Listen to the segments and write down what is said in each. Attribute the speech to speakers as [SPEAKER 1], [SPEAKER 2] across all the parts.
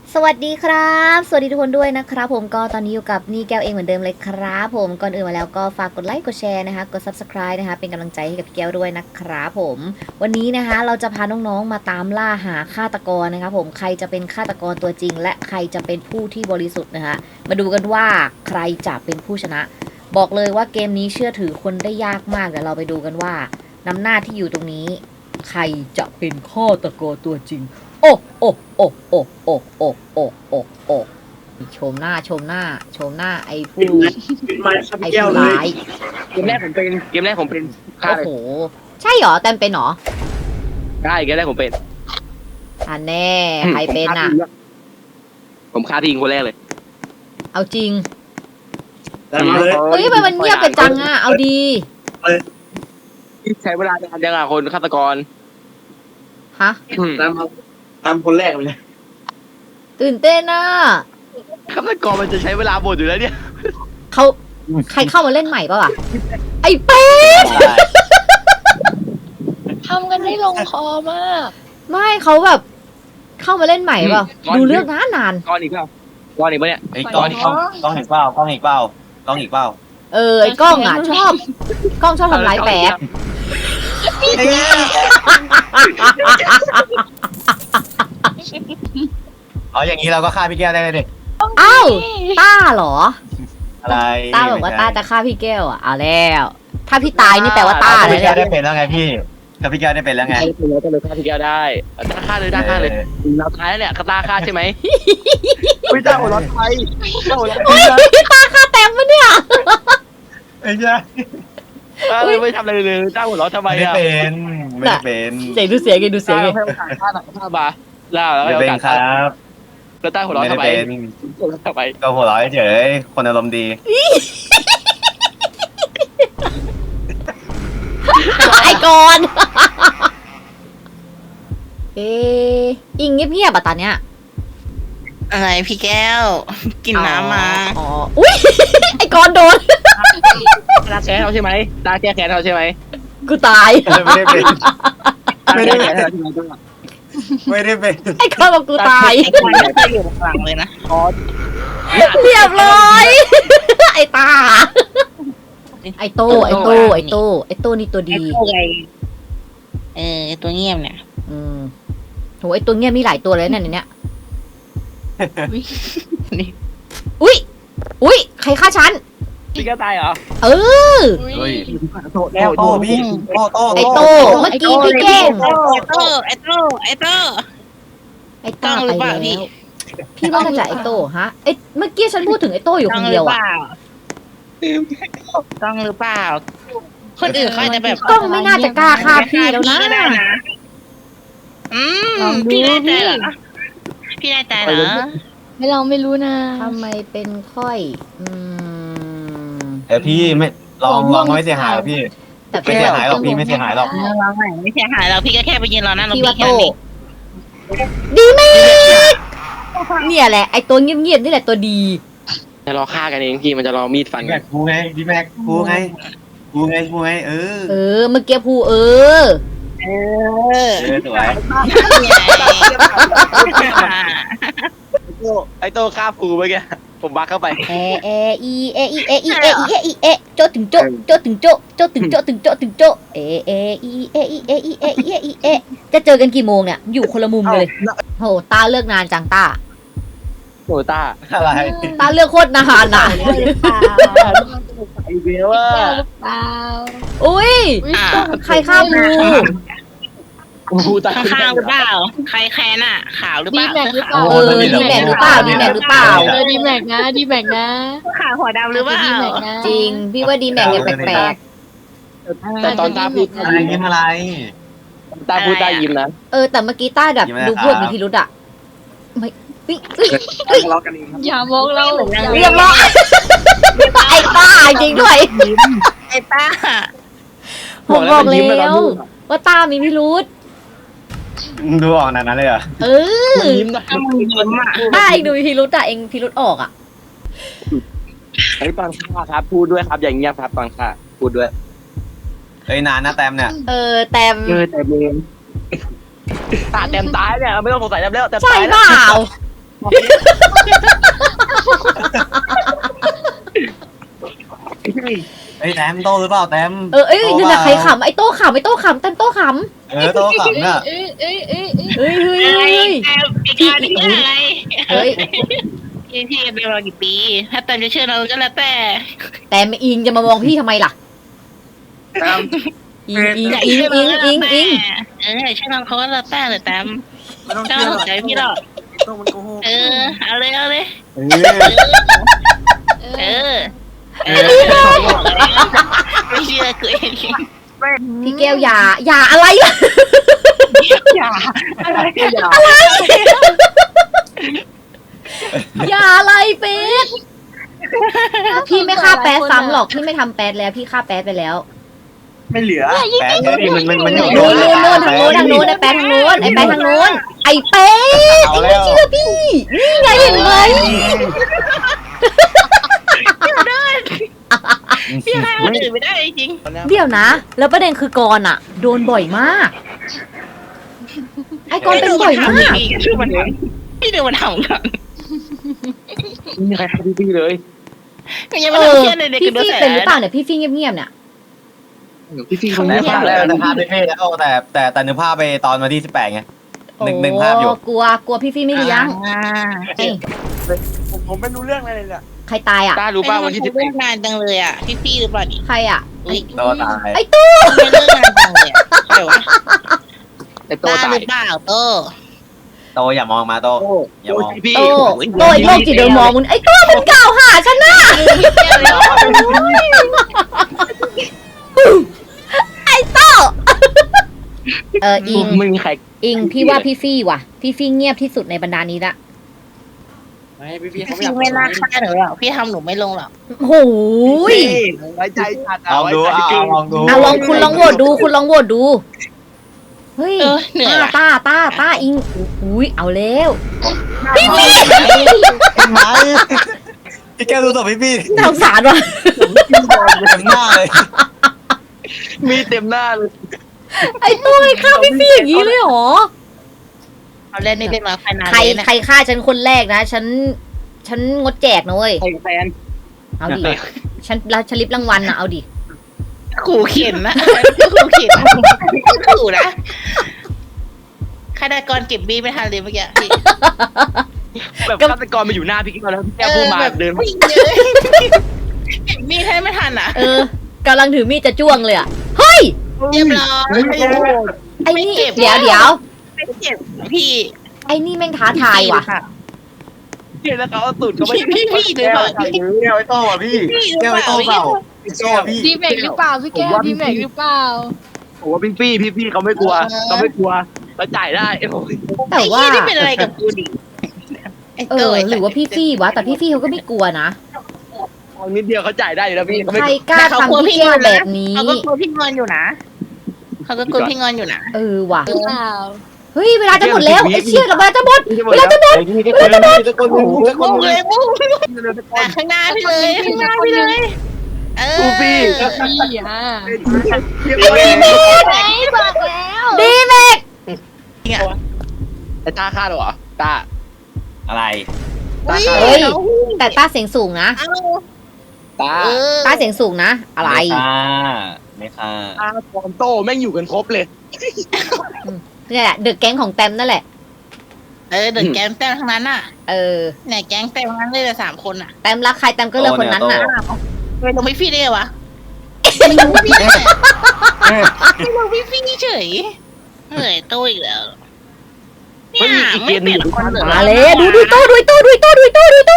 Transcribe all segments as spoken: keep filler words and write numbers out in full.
[SPEAKER 1] สวัสดีครับสวัสดีทุกคนด้วยนะครับผมก็ตอนนี้อยู่กับนี่แก้วเองเหมือนเดิมเลยครับผมก่อนอื่นมาแล้วก็ฝากกดไลค์กดแชร์นะคะกด ซับสไครบ์ นะคะเป็นกำลังใจให้กับพี่แก้วด้วยนะครับผมวันนี้นะคะเราจะพาน้องๆมาตามล่าหาฆาตกรนะครับผมใครจะเป็นฆาตกรตัวจริง และใครจะเป็นผู้ที่บริสุทธิ์นะคะมาดูกันว่าใครจะเป็นผู้ชนะ บอกเลยว่าเกมนี้เชื่อถือคนได้ยากมากเดี๋ยวเราไปดูกันว่าน้ำหน้าที่อยู่ตรงนี้ ใครจะเป็นฆาตกรตัวจริง โอ้โอ้โอ้โอ้โอ้โอ้โอ้โอ้โอ้ชมหน้าชมหน้าชมหน้าไอ้ผู้
[SPEAKER 2] มาครับ
[SPEAKER 1] ไอ้
[SPEAKER 2] แก้ว
[SPEAKER 1] ผู้
[SPEAKER 2] เล
[SPEAKER 1] ร้าย ย
[SPEAKER 3] เกมแรกผมเป็นเกมแรกผมเป็นฆ่า
[SPEAKER 1] โอ้
[SPEAKER 3] เลย
[SPEAKER 1] โหใช่เหรอแต้มเป็นเหรอ
[SPEAKER 3] ใช่เกมแรกผมเป็น
[SPEAKER 1] อันแน่ใครเป็นอ่ะ
[SPEAKER 3] ผมฆ่าพี่หญิงคนแรกเลย
[SPEAKER 1] เอาจริง
[SPEAKER 2] แต่มาเลย
[SPEAKER 1] เฮ้ยทำไมมันเงียบกันจังอ่ะเอาดี
[SPEAKER 3] ใช้เวลานานจังอะคนฆาตกร
[SPEAKER 1] ฮะ
[SPEAKER 2] ตามมาตามคนแรกไปเลย
[SPEAKER 1] ตื่นเต้นอ่ะ
[SPEAKER 3] ฆาตกรมันจะใช้เวลาหมดอยู่แล้วเนี่ย
[SPEAKER 1] เขาใครเข้ามาเล่นใหม่ป่ะวะไอ้เป็ด
[SPEAKER 4] ทำกันได้ลงคอมาก
[SPEAKER 1] ไม่เขาแบบเข้ามาเล่นใหม่เปล่าดูเรื่องนานนาน
[SPEAKER 3] ก้อนอีกเปล่าก้อนอีกปะเนี่ย
[SPEAKER 5] ไอ้กล้องกล้องกล้องเห็นเปล่ากล้องเห็นเปล่ากล้องเห็นเปล่า
[SPEAKER 1] เออไอ้กล้องอ่ะชอบกล้องชอบทำร้ายแปด
[SPEAKER 5] อ๋ออย่างนี้เราก็ฆ่าพี่แก้วได้เลยดิ
[SPEAKER 1] อ้าวต้าเหรอ
[SPEAKER 5] อะไร
[SPEAKER 1] ต้าบอกว่าต้าจะฆ่าพี่แก้วอ่ะเอาแล้ว ถ้าพี่ตายนี่แปลว่าต้า
[SPEAKER 5] ถ้า
[SPEAKER 1] เล
[SPEAKER 5] พี่
[SPEAKER 1] ย
[SPEAKER 5] แก้วได้
[SPEAKER 1] เนี่ย
[SPEAKER 5] เป็นแล้วไงพี่ถ้าพี่แก้วได้เป็นแล้วไง
[SPEAKER 3] ใช่เป็นแล้วก็เลยฆ่าพี่แก้วได้ได้ฆ่าเลยได้ฆ่าเลยเราท้ายเนี่ยกระตาฆ่าใช่ไหมไม่ได้หัวร้อนไฟเจ้าหัวร้อนไฟ
[SPEAKER 1] พี่ตาฆ่าแต้มปะเนี่ย
[SPEAKER 5] ไอ้ยา
[SPEAKER 3] ไม่ทำอะไรเลยเจ้าหัวร้อนทำไม
[SPEAKER 5] ไม่ได้
[SPEAKER 3] อะ
[SPEAKER 5] เป็นไม่ได้เป็น
[SPEAKER 1] เสียงดูเสียงไงดูเสียงไง
[SPEAKER 3] ให้โอกาสฆ่าหนักฆ่าบาล่าแล้ว
[SPEAKER 5] ไม่
[SPEAKER 3] ให้โอ
[SPEAKER 5] เป็น
[SPEAKER 3] กาส
[SPEAKER 5] ครับ
[SPEAKER 3] แล้วใต้หัวร้อน
[SPEAKER 5] ไม่
[SPEAKER 3] ทำ
[SPEAKER 5] ได้
[SPEAKER 3] ไม
[SPEAKER 5] เป็น
[SPEAKER 3] หัวร้อนทำไม
[SPEAKER 5] ก็หัวเร้อยเฉยคนอารมณ์ดี
[SPEAKER 1] ไอ้ก่อนเอ๊ะอิงเงียบๆอ่ะตอนเนี้ย
[SPEAKER 4] อะไรพี่แก้ว กินน้ำมา
[SPEAKER 1] อ๋ออุ้ยไอ้ก่อนโดน
[SPEAKER 3] ตาแค้นเขาใช่ไหมตาแก้แค้นเขาใช่ไหม
[SPEAKER 1] กูตาย
[SPEAKER 5] ไม่ได้เป็น
[SPEAKER 3] ตาแก้แค้นเขาใช่ไหม
[SPEAKER 5] ไม่ได้เป็น
[SPEAKER 1] ไอ้ก่อนบอกกูตาย
[SPEAKER 4] ไอ้คนนี้ก็อยู่ข้างหลังเลยนะ
[SPEAKER 1] เรียบร้อย ไอ้ตา ไอ้โตไอ้โตไอ้โตไอ้โตนี่ตัว
[SPEAKER 4] ไอ้
[SPEAKER 1] ดี
[SPEAKER 4] ตัวไงเออไอ้ตัวเงียบเนี่ย
[SPEAKER 1] อืมโหไอ้ตัวเงียบมีหลายตัวเลยเนี่ยในเนี้ย
[SPEAKER 4] นี่
[SPEAKER 1] อุ้ยอุ้ยใครฆ่าฉัน
[SPEAKER 3] พี่แก้ตายเหรอ
[SPEAKER 1] เออ
[SPEAKER 5] เฮ้ย
[SPEAKER 3] โต
[SPEAKER 5] โต้โต้พี่โต้โต้
[SPEAKER 1] ไอ้โตเมื่อกี้พี่แกล้ง
[SPEAKER 4] ไอ้โตไอ้โตไอ้โต
[SPEAKER 1] ไอ้ต้า
[SPEAKER 4] ต้องห
[SPEAKER 1] ไป
[SPEAKER 4] รือเปล่า
[SPEAKER 1] แล้ว
[SPEAKER 4] พี่
[SPEAKER 1] พี่ว่าน่าจะไอ้โตฮะไอ้เมื่อกี้ฉันพูดถึงไอ้โตอยู่
[SPEAKER 4] ต้
[SPEAKER 1] ค
[SPEAKER 4] อง
[SPEAKER 1] น
[SPEAKER 4] ห
[SPEAKER 1] เดี
[SPEAKER 4] รื
[SPEAKER 1] ยว
[SPEAKER 4] อเป
[SPEAKER 1] อะ
[SPEAKER 4] ล่าต้องหรือเปล่า คนอื่นเขาอาจจะแบบ
[SPEAKER 1] กล้องไม่น่าจะกล้าฆ่าพี่แล้วนะ
[SPEAKER 4] ก็ได้นะอืมพี่แน่ใจเหรอพี่แน่ใจเหรอ
[SPEAKER 6] ไม่ลองไม่รู้นะ
[SPEAKER 1] ทำไมเป็นค่อย อืม
[SPEAKER 5] แต่พี่ไม่ลองลองไม่เสียหายหรอกพี่
[SPEAKER 1] แต่
[SPEAKER 5] ไม่เสียหายหรอกพี่ไม่เสียหายหรอก
[SPEAKER 4] เราไม่ไม่เสียหายเราพี่ก็แค่ไปยืนรอหน้าโรง
[SPEAKER 1] พี่
[SPEAKER 4] พ
[SPEAKER 1] ว่าโต
[SPEAKER 4] ยาบาล
[SPEAKER 1] ดีไหมเนี่ยแหละไอ้ตัวเงียบๆนี่แหละตัวดี
[SPEAKER 3] จะรอฆ่ากันเองพี่มันจะรอมีดฟัน
[SPEAKER 5] แม็กกูไงดีแม็กกูไงกูไงกูไงเออ
[SPEAKER 1] เออ เมื่อกี้พูเออ
[SPEAKER 4] เออ
[SPEAKER 5] เออสวย
[SPEAKER 3] ไอ้โตฆ่าฟูเมื่อกี้ผมบักเข้าไป
[SPEAKER 1] เอเออีเออีเออีเออีเออีเอโจถึงโจโจถึงโจโจถึงโจถึงโจถึงโจเอเออีเออีเออีเออีเออีเอจะเจอกันกี่โมงเนี่ยอยู่คนละมุมเลยโหตาเลิกนานจังตา
[SPEAKER 3] โหต้า
[SPEAKER 5] อะไร
[SPEAKER 1] ตาเลือกโคตรนานอ่ะ
[SPEAKER 6] หรือเปล่า
[SPEAKER 3] ไอเบลว่า
[SPEAKER 6] หรือเปล่า
[SPEAKER 1] อุ้ย
[SPEAKER 4] อ่า
[SPEAKER 1] ใครฆ่ากู
[SPEAKER 3] ฟูตา
[SPEAKER 4] ข้างๆหรือเปล่า ใครแค้นอ่ะ ขาวหรือเป
[SPEAKER 6] ดี
[SPEAKER 4] ล่า
[SPEAKER 6] แม็กหรือเปล่า
[SPEAKER 1] เออดีแม็กหรือเปล่าดีแม็กหรือเปล่า
[SPEAKER 6] เออดีแม็กนะดีแม็กนะ
[SPEAKER 4] ขาวหัวดำหรือเปล่า
[SPEAKER 6] ดีแม็กนะ
[SPEAKER 1] จริง พี่ว่าดีแม็กเนี่ยแปลก
[SPEAKER 3] แต่ตอนตาพูด
[SPEAKER 5] อะไรยิ้มอะไร
[SPEAKER 3] ตาพูดตายิ้มนะ
[SPEAKER 1] ๆเออแต่เมื่อกี้ต้าแบบ
[SPEAKER 5] ยิ้มไหม
[SPEAKER 1] ดู
[SPEAKER 5] ครับ
[SPEAKER 1] พูดมีพิรุธอ่ะไม่เฮ้ยเฮ้ย
[SPEAKER 3] ทะเลาะกันเองครับ
[SPEAKER 6] อย่ามองเรา
[SPEAKER 1] เรียบร้อยไอ้ต้าจริงด้วย
[SPEAKER 4] ไอ้ต้า
[SPEAKER 1] ผมบอกแล้ว ว่าต้ามีพิรุธ
[SPEAKER 5] ดูออกขนาดนั้นเลยเหรอ
[SPEAKER 1] เออ
[SPEAKER 3] มันยิ้มนะ
[SPEAKER 4] ถ้ามึงยิ้มอ่ะ
[SPEAKER 1] ต้าเองดูมีพิรุธอ่ะเองพิรุธออกอ่ะ
[SPEAKER 3] ไอ้ตอนฆ่าครับพูดด้วยครับอย่างเงียบครับตอนฆ่าพูดด้วย
[SPEAKER 5] เอ้ยนานนะแต้มเนี่ย
[SPEAKER 1] เออแต่
[SPEAKER 3] เออแต่เบนตาเต็มตายเนี่ยไม่ต้องสงสัยแล้วแต่
[SPEAKER 1] ใช่
[SPEAKER 3] ตาย
[SPEAKER 1] เปล่า
[SPEAKER 5] ไอ้แต้มโตหรือเปล่าแต้ม
[SPEAKER 1] เออเอ้ยเดี๋ยวนะใครขำไอ้โต้ขำไอ้โต้ขำแต้มโต้ข
[SPEAKER 5] เออโตขำน่ะ
[SPEAKER 6] เอ้ยเอ้ยเอ้ยเอ้ย
[SPEAKER 1] ำเฮ้ยเฮ้ย
[SPEAKER 4] อะไร
[SPEAKER 1] เฮ้ย
[SPEAKER 4] แต้มอีกการที่อะไร
[SPEAKER 1] เฮ้ย
[SPEAKER 4] พี่พี่เป็นมากี่ปี ถ้าแต้มจะเชื่อเราก็แล้วแต่
[SPEAKER 1] แต่ไม่อิงจะมามองพี่ทำไมล่ะ
[SPEAKER 2] ตาม
[SPEAKER 1] อิงอิงอิงอิงอิงอิง
[SPEAKER 4] เออเชื่อเราเขาก็แล้วแต่เลยแต้ม
[SPEAKER 2] ไม่ต้อง
[SPEAKER 4] แต้ม
[SPEAKER 2] เชื่อ
[SPEAKER 4] สนใจพี่หรอก
[SPEAKER 2] ต้องมันโกหก
[SPEAKER 4] เออเอาเลยเอาเลย
[SPEAKER 5] เออ
[SPEAKER 4] เออเออไม่เชื่อกูเอง
[SPEAKER 1] พี่แก้วอย่าอย่าอะไรล่ะ
[SPEAKER 4] อย่าอะไรอย่า
[SPEAKER 1] อย่าอะไรเป็ดพี่ไม่ฆ่าแป๊ดซ้ำหรอกพี่ไม่ทำแป๊ดแล้วพี่ฆ่าแป๊ดไปแล้ว
[SPEAKER 2] ไม่เหลือ
[SPEAKER 5] แป๊ดเนี่ยมันมันมันอยู่
[SPEAKER 1] นู้นนู้นนู้นทางนู้นทางนู้นไอ้แป๊ดทางนู้นไอ้แป๊ดทางนู้นไอ้เป็ด
[SPEAKER 5] เอา
[SPEAKER 1] ไอ้
[SPEAKER 5] แล้ว
[SPEAKER 1] ไม่เชื่อพี่นี่ไงเห็นไหม
[SPEAKER 4] พี่ให้คนอื่นไม่ได้จริง
[SPEAKER 1] เดี๋ยวนะ แล้วประเด็นคือกรณ์อะโดนบ่อยมาก ไอ้กรณ์เป็นบ่อยมาก
[SPEAKER 4] พี่ชื่อมันพี่ดูมันทำกัน
[SPEAKER 3] ไม่มีใครทำพี่เลย
[SPEAKER 4] ยังไม่
[SPEAKER 1] เอ
[SPEAKER 4] ต้อง
[SPEAKER 1] อ
[SPEAKER 4] เชื่อเลยเด็ก
[SPEAKER 1] พี่
[SPEAKER 4] ดู
[SPEAKER 1] ฟี่
[SPEAKER 4] แส
[SPEAKER 1] เป็นหรือเปล่าเนี่ยพี่ฟี่เงียบๆเนี่ย
[SPEAKER 3] พี่ฟี่เขา
[SPEAKER 5] แต่
[SPEAKER 3] เงียบ
[SPEAKER 5] ภาพ
[SPEAKER 3] เล
[SPEAKER 5] แล้
[SPEAKER 3] ยว
[SPEAKER 5] แต่ภาพไม่เท่แล้วแต่แต่แต่นึกภาพไปตอนวันที่สิบแปดไงหนึ่งหนึ่งภาพอยู่
[SPEAKER 1] โกลัวกลัวพี่ฟี่ไม่เลี้ยง
[SPEAKER 4] อ่า
[SPEAKER 1] เฮ้ย
[SPEAKER 2] ผมผมไม่รู้เรื่องอะไรเลยเนี่ย
[SPEAKER 1] ใครตายอ่ะ
[SPEAKER 3] ต้ารู้ป่ะวันที่สิบ
[SPEAKER 4] เลิกงานจังเลยอ่ะพี่พี่หรือเปล่าดิ
[SPEAKER 1] ใครอ่ะ
[SPEAKER 4] อุ้ย
[SPEAKER 5] โตตาย
[SPEAKER 1] ไอ้ตู้
[SPEAKER 4] ไม่เลิกงานจังเลยใช่วะ
[SPEAKER 3] ไอ้โต
[SPEAKER 4] ตา
[SPEAKER 3] ตา
[SPEAKER 4] ห
[SPEAKER 3] ย
[SPEAKER 4] รือเปล่าโต
[SPEAKER 5] โตอย่ามองมาโต อย่ามอง
[SPEAKER 3] พี่
[SPEAKER 1] โตโตไอ้โรคจิตเดิมมองมึงไอ้ตู้มึงกล่าวหาฉันนะไอ้โตเอออิง
[SPEAKER 3] ไม่มีใคร
[SPEAKER 1] อิงพี่ว่าพี่ฟี่ว่ะ พี่ฟี่เงียบที่สุดในบรรดานี้ละ
[SPEAKER 2] ไม่พี่พี่
[SPEAKER 4] พี่
[SPEAKER 2] เขาไม่
[SPEAKER 4] พี่
[SPEAKER 2] อยาก
[SPEAKER 4] ไม่น่าฆ่าหนูหรอกพี่ทำหนูไม่ลงหรอก
[SPEAKER 1] โหย
[SPEAKER 2] ไว้ใจจัด
[SPEAKER 5] ลองดูอ่ะลองดู
[SPEAKER 1] อ่ะลองคุณลองโหวตดูคุณลองโหวตดูเฮ้ย
[SPEAKER 4] เออเหนื่อย
[SPEAKER 1] ต้า
[SPEAKER 4] ว่ะ
[SPEAKER 1] ต้าต้าต้าอิงอุ้ยเอาแล้ว
[SPEAKER 5] พี่พี่เห็นไหมพี่แก้วดูต่อพี่พี่
[SPEAKER 1] น่าสงสารว่ะ
[SPEAKER 5] เต็มหน้าเลย
[SPEAKER 3] มีเต็มหน้าเลย
[SPEAKER 1] ไอ้ตู้ไอ้ฆ่าพี่ฟี่อย่างนี้เลยเหรอ
[SPEAKER 4] เอาเล่นไม่เป็นมาไฟนาน
[SPEAKER 1] ใคร
[SPEAKER 4] เลยนะ
[SPEAKER 1] ใครฆ่าฉันคนแรกนะ ฉัน ฉันงดแจกนะเว้ย
[SPEAKER 2] ใครแฟน
[SPEAKER 1] เอาดิ ฉันรับชลิปรางวัลนะเอาดิ
[SPEAKER 4] ขู่เข็นนะขู่เข็นขู่นะฆาตกรเก็บบีไม่ทันเลยเมื่อกี้พี่
[SPEAKER 3] แบบฆาตกรมาอยู่หน้าพี่กิ๊กแล้วพี่แก้วพูดมาเดินมา
[SPEAKER 4] วิ่งเลยเก็บมีดให้ไม่ทันอ่ะ
[SPEAKER 1] เออกำลังถือมีดจะจ้วงเลยอ่ะ เฮ้ย
[SPEAKER 4] เรียบร้อย
[SPEAKER 1] ไอ้นี่
[SPEAKER 4] ไม่เก็บ
[SPEAKER 1] เดี๋ยวเดี๋ยว
[SPEAKER 4] ไม่เก็บพี่
[SPEAKER 1] ไอ้นี่แม่งท้าทายว่ะ
[SPEAKER 3] แล้วเขาเอาตูดเขาไป
[SPEAKER 4] พี่พี่หรือเปล่าพี่
[SPEAKER 5] แก้วไอ้โต้อ่ะพี่แก้วไอ้โต้เปล่าพี่โต้อ่ะพี่
[SPEAKER 6] ดีแม็กหรือเปล่าพี่แก้วดีแม็กหรือเปล่า
[SPEAKER 3] ผมว่าพี่ฟี่พี่ฟี่เขาไม่กลัวเขาไม่กลัวเขาจ่ายได้โอ้ย
[SPEAKER 1] แต่ว่า
[SPEAKER 4] ไอ้พี่นี่เป็นอะไรกับกูดิไอ้
[SPEAKER 1] เอ
[SPEAKER 4] โต้
[SPEAKER 1] อ หรือว่าพี่ฟี่วะ แต่พี่ฟี่เขาก็ไม่กลัวนะ
[SPEAKER 3] เอานิดเดียวเขาจ่ายได้อยู่แล้วพี่เขา
[SPEAKER 1] ใค
[SPEAKER 3] ไม่
[SPEAKER 1] รกล้าทำพี่แก้วแบบนี้
[SPEAKER 4] เขาก็กลัวพี่งอนอยู่นะเขาก็กลัวพี่งอนอยู่นะ
[SPEAKER 1] เออว่ะ
[SPEAKER 6] หรือเปล่า
[SPEAKER 1] เฮ้ย เวลาจะหมดแล้วไอ้เชี่ยกับเวลาจะหมด
[SPEAKER 3] เวลาจะหมด
[SPEAKER 5] เวลาจะหมดตะโกน
[SPEAKER 4] มุ่งเลยมุ่งแต่ข้างหน้าพี่เลยข้างหน้าพี่เลย เออ
[SPEAKER 3] กูฟี่
[SPEAKER 6] พี่อ่ะ
[SPEAKER 1] ดีแม็ก
[SPEAKER 6] ไหนบอกแล้ว
[SPEAKER 1] ดีแม็ก
[SPEAKER 3] ไอ้ตาฆ่าเหรอตา
[SPEAKER 5] อะไร
[SPEAKER 1] เฮ้ย แต่ต้าเสียงสูงนะ
[SPEAKER 4] เอา
[SPEAKER 3] ตา
[SPEAKER 4] เออ
[SPEAKER 1] ต้าเสียงสูงนะ อะไร
[SPEAKER 5] ไม่ค่ะไม่ค่ะ
[SPEAKER 3] ตาฟอมโต้แม่งอยู่กันครบเลย
[SPEAKER 1] เนี่ยแหละเดอะแก๊งของแตมนั่นแหละ
[SPEAKER 4] เออเดินแก๊งแต้มทั้งนั้นอ่ะ
[SPEAKER 1] เออ
[SPEAKER 4] เนี่ยแก๊งแต้มทั้งนั้นเลยแต่สามคนอ่ะ
[SPEAKER 1] แตมรักใครแตมก็เลือกคนนั้นน่ะ
[SPEAKER 4] ไปลงพี่ฟี่ได้ไงวะ
[SPEAKER 5] เอ๊ะ
[SPEAKER 4] ไปลงพี่ฟี่เฉยเหนื่อยโตอีกแล้ว
[SPEAKER 3] เฮ้ยอีกเกมหนึ่งอยู่
[SPEAKER 4] คนเหลือ
[SPEAKER 1] มาเลยดูดูโต้ดูโต้ดูโต้ดูโต้ดูโต้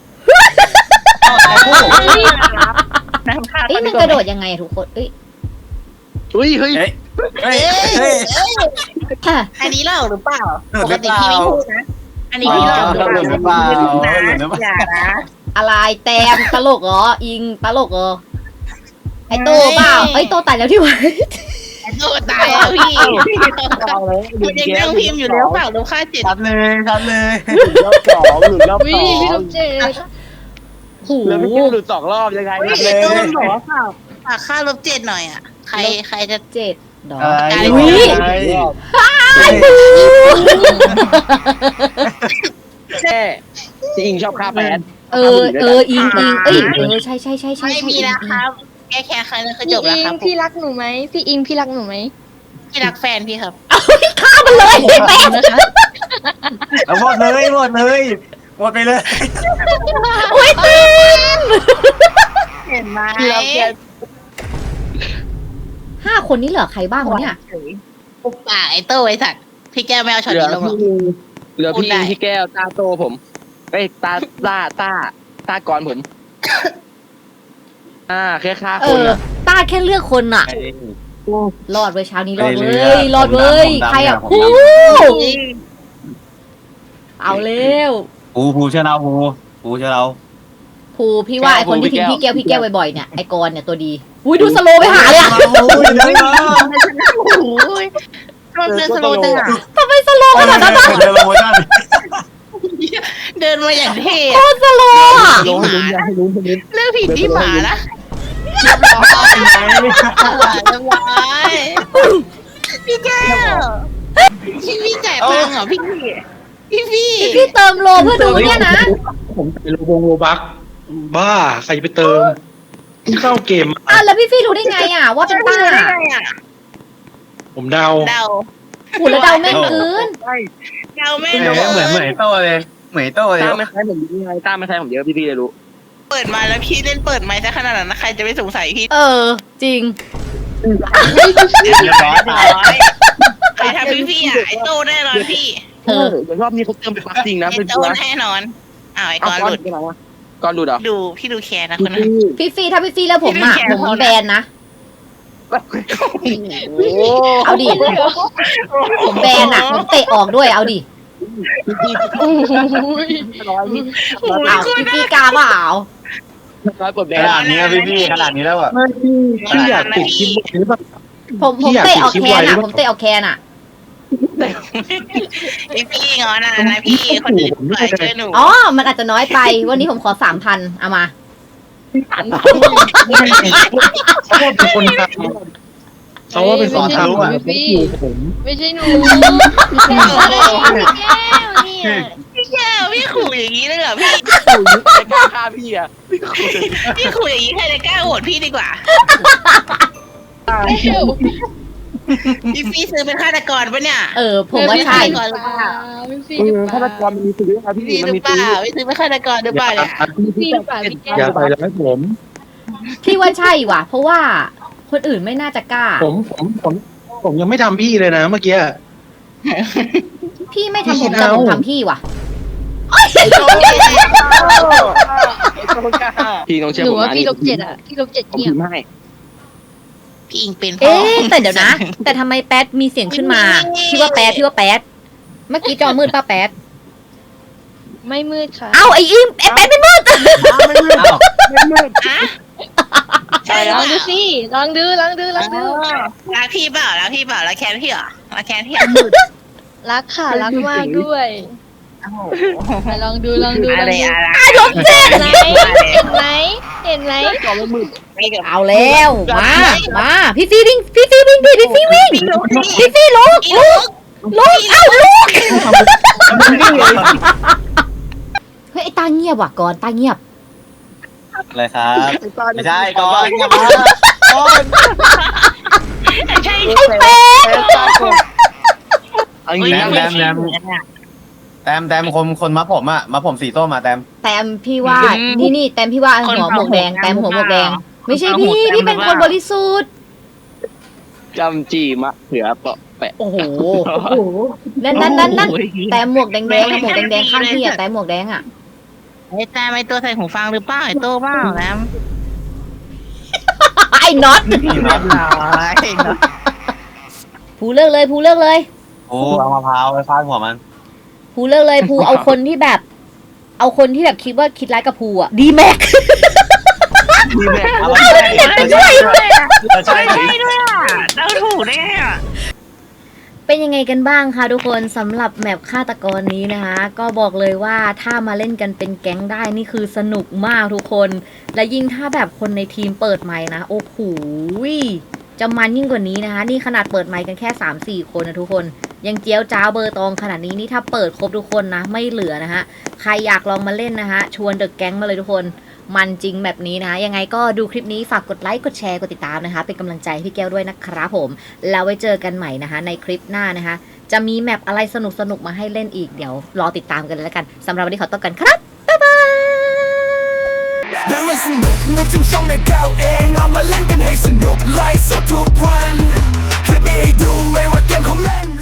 [SPEAKER 4] น้ำค่า
[SPEAKER 1] เอ้ยมันกระโดดยังไงอะทุกคนเอ้ย
[SPEAKER 3] เฮ้ยเฮ้ย
[SPEAKER 5] เฮ้ยเฮ้ย
[SPEAKER 4] เอ้ย
[SPEAKER 5] เฮ้ย
[SPEAKER 4] เอ้ยอันนี้เล่าหรือเปล่า
[SPEAKER 5] หลุด
[SPEAKER 4] ป
[SPEAKER 5] หรื
[SPEAKER 4] ก
[SPEAKER 5] อ
[SPEAKER 4] ติ
[SPEAKER 5] เปล่า
[SPEAKER 4] พี่ไม่พูดนะ อันนี้พี่เล่าหรือเปล่า
[SPEAKER 5] หลุดหรือเปล่าหลุดหรือเปล่า
[SPEAKER 4] อย่านะ
[SPEAKER 1] อะไรแตมตลกเหรออิงตลกเหรอไอโต้เปล่าไอยโต้ตายแล้วที่วะ
[SPEAKER 4] ไอ้โตตายแล้วพี่คุณยังนั่งพิมพ์อยู่แล้วเปล่าแล้วค่าเจ็ด
[SPEAKER 5] ชัดเลยชัดเลย
[SPEAKER 3] หลุดรอบสองหลุดรอบ
[SPEAKER 6] วิ
[SPEAKER 3] สอง
[SPEAKER 6] พี่ลูกเจด
[SPEAKER 1] โห
[SPEAKER 3] แล้วพี่กิ๊กหลุดสองรอบยังไง
[SPEAKER 4] เฮ้ยไอ้โตมันบอกว่าเปล่าฝากค่าลบเจ็ดหน่อยอ่ะ ใครใครจะ
[SPEAKER 1] เจ็ดดอก
[SPEAKER 5] อะไร
[SPEAKER 1] อุ๊ย
[SPEAKER 5] อะไร
[SPEAKER 4] จะ
[SPEAKER 3] พี่อิงชอบฆ่าแฟน
[SPEAKER 1] เออเอออิงอิงเอ้ยเออใช่ใช่ใช่ใช่
[SPEAKER 4] ไม่
[SPEAKER 1] ใช่
[SPEAKER 4] มี
[SPEAKER 1] อิง
[SPEAKER 4] แล้ว
[SPEAKER 1] อิ
[SPEAKER 4] ค
[SPEAKER 1] ง
[SPEAKER 4] รับ แก้แค้นครั้งนั้นคือ
[SPEAKER 6] พี่
[SPEAKER 4] จบแล้ว
[SPEAKER 6] อิ
[SPEAKER 4] ค
[SPEAKER 6] ง
[SPEAKER 4] รับ
[SPEAKER 6] พี่รักหนูไหมพี่อิงพี่รักหนูไหม
[SPEAKER 4] พี่รักแฟนพี่ครับ
[SPEAKER 1] ฆ่ามันเลยแป๊บ
[SPEAKER 6] นะคะ
[SPEAKER 5] เอาหมดเลยหมดเลยหมดไปเลย
[SPEAKER 1] โอ้ยตีน
[SPEAKER 4] เห็นไหม
[SPEAKER 1] ห้าคนนี้เหลือใครบ้างวะเนี่ย
[SPEAKER 4] ปุ๊บป่าไอ้โต้ไอ้สัตว์พี่แก้วไม่เอาช็อต
[SPEAKER 3] เหลือ
[SPEAKER 4] นี้ลงหรอก
[SPEAKER 3] พี่เหลือ
[SPEAKER 4] พูด
[SPEAKER 3] พี่
[SPEAKER 4] ได้
[SPEAKER 3] อิงพี่แก้วตาโตผมเอ้ยตาตาตาตากรผม อ่าแค่ฆ่า
[SPEAKER 1] เอ
[SPEAKER 3] คน
[SPEAKER 1] อ
[SPEAKER 3] อะ
[SPEAKER 1] ต้าแค่เลือกคนอะรอดเว้ยเช้านี้รอดเว้ยรอด
[SPEAKER 5] ผมดำ
[SPEAKER 1] เว้ย
[SPEAKER 5] ผมดำ
[SPEAKER 1] ใครอะ
[SPEAKER 5] ผม
[SPEAKER 1] ผู้
[SPEAKER 5] ด
[SPEAKER 1] เอาเร็ว
[SPEAKER 5] ภูภูเชื่อเราภูภูเชื่อเรา
[SPEAKER 1] ภูพี่ว่าไอคนที่ทิ้งพี่แก้วพี่แก้วบ่อยๆเนี่ยไอกรเนี่ยตัวดีอุ้ยดูสโลว์ไปหาเลยอะ
[SPEAKER 5] ภูเดินมา
[SPEAKER 4] โอ้ยมันเดินสโลว์จังอ่ะ
[SPEAKER 1] ทำไมสโลว์ขนาดนั้นอะ
[SPEAKER 5] เดินลงมาด้าน
[SPEAKER 4] เดินมาอย่างเท่
[SPEAKER 1] โคตรสโลว์อะ
[SPEAKER 3] ลงให้ลุ้นให้ลุ้นให้ลุ้น
[SPEAKER 4] เลือกผิดที่หมานะ
[SPEAKER 5] เรียบร้อย
[SPEAKER 4] เรียบร้อยพี่แก้วพี่พี่จ่ายตังค์เหรอพี่พี่พี่
[SPEAKER 1] พี่เติมโลเพื่อดูเนี่ยนะ
[SPEAKER 7] ผมใส่โลบงโลบักบ้าใครจะไปเติมที่เข้าเกม
[SPEAKER 1] อ่ะแล้วพี่ฟี่รู้ได้ไงอะว่าเป็นต้า
[SPEAKER 4] ได้ไงอ่ะ
[SPEAKER 7] ผมเดา
[SPEAKER 4] เดา
[SPEAKER 1] หูแล้วเดาแม่นเกิน
[SPEAKER 4] เดาไม่
[SPEAKER 5] เหมื
[SPEAKER 4] รู้
[SPEAKER 5] อนเหมือนเหมือนไอ้โต้เลยเหมือนไอ้โต้เลย
[SPEAKER 3] ตามไม่ใช่ผมเยอะไงตามไม่ใช่ผมเยอะพี่พี่เลยรู้
[SPEAKER 4] เปิดมาแล้วพี่เล่นเปิดไมค์ซะขนาดนั้นนะใครจะไม่สงสัยพี่
[SPEAKER 1] เออ จริง
[SPEAKER 5] เรียบร้อย
[SPEAKER 4] ใครทำพี่พี่อ่ะไอ้โตแน่นอนพี่
[SPEAKER 1] เออ
[SPEAKER 3] เดี๋ยวรอบนี้เขาเติมไปปักจริงนะ
[SPEAKER 4] ไอ้
[SPEAKER 3] เป็น
[SPEAKER 4] โต
[SPEAKER 3] ตัว
[SPEAKER 4] แน่นอนอ้าวไอ้
[SPEAKER 3] เอา
[SPEAKER 4] กอน
[SPEAKER 3] ก้อน
[SPEAKER 4] หลุด
[SPEAKER 3] ไปไหนวะก้อนหลุดเหรอ
[SPEAKER 4] ดูพี่ดูแคร์นะคนนั้น
[SPEAKER 1] พี่ฟี่ถ้าพี่ฟี่แล้วผมอะ
[SPEAKER 4] พี่ไม่แคร์
[SPEAKER 1] ผม
[SPEAKER 4] เขานะ
[SPEAKER 1] แบนนะ
[SPEAKER 3] โอ้
[SPEAKER 1] เอาดิ ผมแบนอะผมเตะออกด้วย เอาดิ
[SPEAKER 6] โอ้ย
[SPEAKER 1] เอาพี่ฟี่กล้าเปล่า
[SPEAKER 3] ร้อยปลดแด
[SPEAKER 5] ข
[SPEAKER 3] ง
[SPEAKER 5] นาดนี้พี่พี่ขนาดนี้แล้วอ่ะ
[SPEAKER 7] พี่อยากติดคลิปหรือเปล่า
[SPEAKER 1] ผมผมเตะออกแคนอะผมเตะออกแคนอะ
[SPEAKER 4] พี่พี่งอนนะนะพี่คนอื่นปล่อยช่วยหนู
[SPEAKER 1] อ๋อ มันอาจจะน้อยไป วันนี้ผมขอสามพันเอามา
[SPEAKER 7] เขาว่าเป็นคนทำเขาว่าเป็นคนทำอ่ะ
[SPEAKER 6] พี่
[SPEAKER 7] ผม
[SPEAKER 6] ไม่ใช่หนูพี่แก้วเนี่ย
[SPEAKER 4] พี่แก้วพี่ขู่อย่างนี้เลยเหรอพี่
[SPEAKER 3] ไม่กล้าฆ่าพี่อะพี่คุย
[SPEAKER 4] พี่ขู่อย่างนี้ใครจะกล้าโหวตพี่ดีกว่า พี่พี่ซื้อเป็นฆาตกรปะเนี่ย
[SPEAKER 1] เออ ผมว่าใช่
[SPEAKER 4] ก่อนหรือเปล่า
[SPEAKER 6] พี่ฟี่
[SPEAKER 3] เอ
[SPEAKER 6] หรือ
[SPEAKER 3] อ
[SPEAKER 6] เป
[SPEAKER 3] ฆาต
[SPEAKER 6] ล่าก
[SPEAKER 3] รมันมีปืนนะพี่
[SPEAKER 4] พี่ห
[SPEAKER 3] มัน
[SPEAKER 4] รือ
[SPEAKER 3] มี
[SPEAKER 4] เป
[SPEAKER 3] ปืน
[SPEAKER 4] ล่าพี่ซื้อเป็นฆาตกรหรือเปล่าเนี่ย
[SPEAKER 6] พี่ฟี่หรือเปล่าพี่แก้
[SPEAKER 7] อย่าว ใส่ร้ายผม
[SPEAKER 1] พี่ว่าใช่ว่ะ เพราะว่าคนอื่นไม่น่าจะกล้า
[SPEAKER 7] ผมผมผมผมยังไม่ทำพี่เลยนะเมื่อกี้
[SPEAKER 1] พี่ไม่ทำผม
[SPEAKER 7] พี่คิด
[SPEAKER 1] แต่
[SPEAKER 7] เอา
[SPEAKER 1] ผมทำพี่ว่ะ
[SPEAKER 3] พี่ต้องเชื่อ
[SPEAKER 6] หนู
[SPEAKER 3] ผม
[SPEAKER 6] ว่า
[SPEAKER 3] นะ
[SPEAKER 6] พี่ลบเจ็ดอ่ะพี่ลบเจ็ด
[SPEAKER 3] ผม
[SPEAKER 6] เงีย
[SPEAKER 3] พิ
[SPEAKER 6] บ
[SPEAKER 3] มพ์ให้
[SPEAKER 4] พี่อิงเป็นพ่อ
[SPEAKER 1] เอ๊ะแต่เดี๋ยวนะ แต่ทำไมแป๊ดมีเสียงขึ้นมา พี่ว่าแป๊ดพี่ว่าแป๊ดเมื่อกี้จอมืดป้าแป๊ด
[SPEAKER 6] ไม่มืดค่ะ
[SPEAKER 1] เอ้าไอ้อิมไอ้แป๊ดไม่มืด
[SPEAKER 4] อะ
[SPEAKER 6] ใช่ลองดูสิลองดูลองดูลองดู
[SPEAKER 4] รักพี่เปล่ารักพี่เปล่ารักแคนพี่เหรอรักแคนพี่เหรอ
[SPEAKER 6] รักค่ะรักมากด้วยแต่ลองดูลองดูล
[SPEAKER 4] อะ
[SPEAKER 6] อง
[SPEAKER 4] ไร
[SPEAKER 6] ดู
[SPEAKER 4] อะไร
[SPEAKER 1] ลบเจ็ด
[SPEAKER 6] เห็นไหมเห็นไหมเห็นไหม
[SPEAKER 4] ไม่กับ
[SPEAKER 1] เอาแล้วมามาพี่ฟีวิ่งพี่ฟีวิ่งดิพี่ฟีวิ่ง
[SPEAKER 4] พี่ลุก
[SPEAKER 1] พี่ฟีลุก
[SPEAKER 4] พี่ลุก
[SPEAKER 1] ลุกเอ้าลุกเฮ้ยไอ้ตาเงียบว่ะก่อนตาเงียบ
[SPEAKER 5] เลยครับไม่ใช่ก่อนอย่ามาก่อน
[SPEAKER 4] ใช่
[SPEAKER 1] ไอ้แป๊ด
[SPEAKER 3] เอางี้
[SPEAKER 5] แร
[SPEAKER 3] นะ
[SPEAKER 5] มแรมแรมแต้มแต้มคนคนมาผมอ่ะมาผมสีส้มมาแต้ม
[SPEAKER 1] แต้มพี่ว่านี่นี่แต้มพี่ว่าหัวหมวกแดงแต้มหัวหมวกแดง ไม่ใช่พี่พี่เป็นคนบริสุทธิ์
[SPEAKER 3] จำจีมะเขือเปาะแปะ
[SPEAKER 1] โอ้โหนั่นนั่นนั่นนั่นแต้มหมวกแดงแดงหมวกแดงแดงข้างพี่อะแต้มหมวกแดงอะ
[SPEAKER 4] ไอ้แต่ไม่ตัวใส่หูฟังหรือเปล่าไอ้โตเปล่าแล้ว
[SPEAKER 1] ไอ้น็อต
[SPEAKER 5] นี่นะ
[SPEAKER 1] ภูเลิกเลยภูเลิกเลย
[SPEAKER 5] โอ้เอามะพร้าวไปฟาดหัวมัน
[SPEAKER 1] ภูเลิกเลยภูเอาคนที่แบบ เอาคนที่แบบคิดว่าคิดร้ายกับภูอะดีแม็ก
[SPEAKER 3] ดีแม่
[SPEAKER 5] เอาไปช่วยใช่
[SPEAKER 4] ใช่ด้วยอ่ะเดาถูกแน่อ่ะ
[SPEAKER 1] เป็นยังไงกันบ้างคะทุกคนสำหรับแมปฆาตกรนี้นะคะ ก็บอกเลยว่าถ้ามาเล่นกันเป็นแก๊งได้นี่คือสนุกมากทุกคน และยิ่งถ้าแบบคนในทีมเปิดไมค์นะโอ้โหจะมันยิ่งกว่านี้นะคะ นี่ขนาดเปิดไมค์กันแค่ สามสี่ คนนะทุกคนยังเจียวจ้าวเบอร์ตองขนาดนี้นี่ถ้าเปิดครบทุกคนนะไม่เหลือนะฮะใครอยากลองมาเล่นนะฮะชวนเดอะแก๊งมาเลยทุกคนมันจริงแบบนี้นะยังไงก็ดูคลิปนี้ฝากกดไลค์กดแชร์กดติดตามนะคะเป็นกำลังใจให้พี่แก้วด้วยนะครับผมแล้วไว้เจอกันใหม่นะคะในคลิปหน้านะคะจะมีแมปอะไรสนุกๆมาให้เล่นอีกเดี๋ยวรอติดตามกันเลยแล้วกันสำหรับวันนี้ขอตัวกันครับบ๊ายบาย
[SPEAKER 8] และมันสนุกเมื่อถึงช่องในแก้วเองเอามาเล่นกันให้สนุกไลฟ์สดทุกวันคลิปนี้ให้ดูไม่ว่าเกมของเล่น